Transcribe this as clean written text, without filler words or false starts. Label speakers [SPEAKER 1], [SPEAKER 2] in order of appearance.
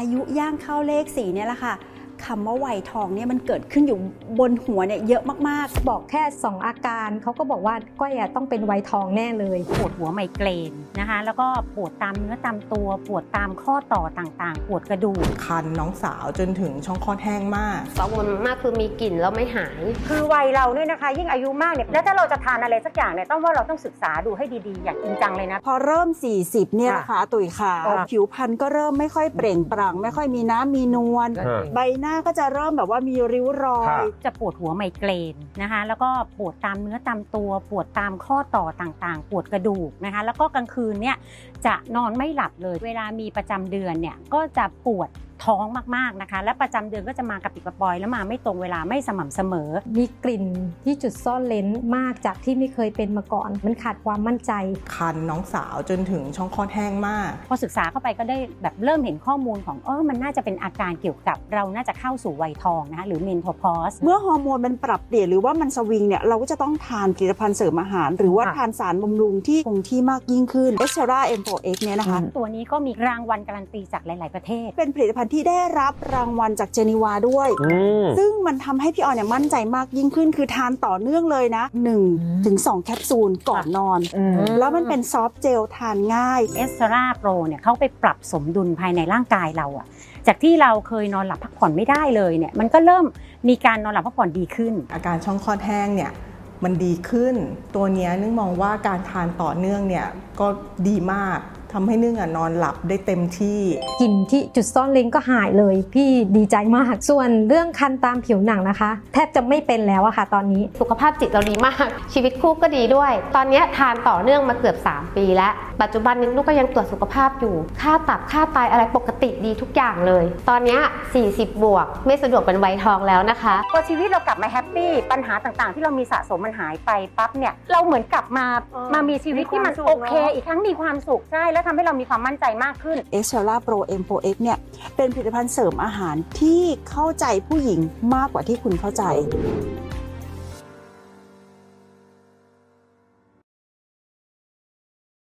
[SPEAKER 1] ยุย่างเข้าเลข4เนี่ยแหละค่ะคำว่าวัยทองเนี่ยมันเกิดขึ้นอยู่บนหัวเนี่ยเยอะมาก
[SPEAKER 2] ๆบอกแค่2อาการเขาก็บอกว่าก้อยต้องเป็นวัยทองแน่เลย
[SPEAKER 3] ปวดหัวไมเกรนนะคะแล้วก็ปวดตามเนื้อตามตัวปวดตามข้อต่อต่างๆปวดกระดูก
[SPEAKER 4] คันน้องสาวจนถึงช่องคลอดแห้งมาก
[SPEAKER 5] กังวลมากคือมีกลิ่นแล้วไม่หาย
[SPEAKER 3] คือวัยเราเนี่ยนะคะยิ่งอายุมากเนี่ยแล้วถ้าเราจะทานอะไรสักอย่างเนี่ยต้องว่าเราต้องศึกษาดูให้ดีๆอย่างจริงจังเลยนะ
[SPEAKER 1] พอเริ่ม40เนี่ยนะคะตุ๋ยขาผิวพรรณก็เริ่มไม่ค่อยเปล่งปลั่งไม่ค่อยมีน้ำมีนวลใบหน้าก็จะเริ่มแบบว่ามีริ้วรอย
[SPEAKER 3] จะปวดหัวไมเกรนนะคะแล้วก็ปวดตามเนื้อตามตัวปวดตามข้อต่อต่างๆปวดกระดูกนะคะแล้วก็กลางคืนเนี่ยจะนอนไม่หลับเลยเวลามีประจำเดือนเนี่ยก็จะปวดท้องมากๆนะคะและประจำเดือนก็จะมากระปิดกระปอยแล้วมาไม่ตรงเวลาไม่สม่ำเสมอ
[SPEAKER 2] มีกลิ่นที่จุดซ่อนเลนมากจากที่ไม่เคยเป็นมาก่อนมันขาดความมั่นใจ
[SPEAKER 4] คันน้องสาวจนถึงช่องคลอดแห้งมาก
[SPEAKER 3] พอศึกษาเข้าไปก็ได้แบบเริ่มเห็นข้อมูลของมันน่าจะเป็นอาการเกี่ยวกับเราน่าจะเข้าสู่วัยทองนะคะหรือ menopause
[SPEAKER 1] เมื่อฮอร์โมนมันปรับเปลี่ยนหรือว่ามันสวิงเนี่ยเราก็จะต้องทานผลิตภัณฑ์เสริมอาหารหรือว่าทานสารบำรุงที่คงที่มากยิ่งขึ้น Extra M4X เนี่ยนะคะ
[SPEAKER 3] ตัวนี้ก็มีรางวัลการันตีจากหลายๆประเทศ
[SPEAKER 1] เป็นผลิตภัณฑ์ที่ได้รับรางวัลจากเจนีวาด้วยซึ่งมันทำให้พี่ออนเนี่ยมั่นใจมากยิ่งขึ้นคือทานต่อเนื่องเลยนะ 1-2 แคปซูลก่อนนอนแล้วมันเป็นซอฟต์เจลทานง่าย
[SPEAKER 3] เอสตราโปรเนี่ยเขาไปปรับสมดุลภายในร่างกายเราอะจากที่เราเคยนอนหลับพักผ่อนไม่ได้เลยเนี่ยมันก็เริ่มมีการนอนหลับพักผ่อนดีขึ้น
[SPEAKER 4] อาการช่องคลอดแห้งเนี่ยมันดีขึ้นตัวนี้นึกมองว่าการทานต่อเนื่องเนี่ยก็ดีมากทำให้นึ่งนอนหลับได้เต็มที่
[SPEAKER 2] กลิ่นที่จุดซ่อนเลนก็หายเลยพี่ดีใจมากส่วนเรื่องคันตามผิวหนังนะคะแทบจะไม่เป็นแล้วอะค่ะตอนนี้
[SPEAKER 5] สุขภาพจิตเราดีมากชีวิตคู่ก็ดีด้วยตอนนี้ทานต่อเนื่องมาเกือบ3 ปีแล้วปัจจุบันนี้ลูกก็ยังตรวจสุขภาพอยู่ค่าตับค่าไตอะไรปกติดีทุกอย่างเลยตอนนี้40 บวกไม่สะดวกเป็นวัยทองแล้วนะคะ
[SPEAKER 3] พอชีวิตเรากลับมาแฮปปี้ปัญหาต่างๆที่เรามีสะสมมันหายไปปั๊บเนี่ยเราเหมือนกลับมามีชีวิตที่มันโอเคอีกครั้งมีความสุขใช่แล้วทำให้เรามีความมั่นใจมากขึ้น
[SPEAKER 1] Extra Pro M4X เนี่ยเป็นผลิตภัณฑ์เสริมอาหารที่เข้าใจผู้หญิงมากกว่าที่คุณเข้าใจ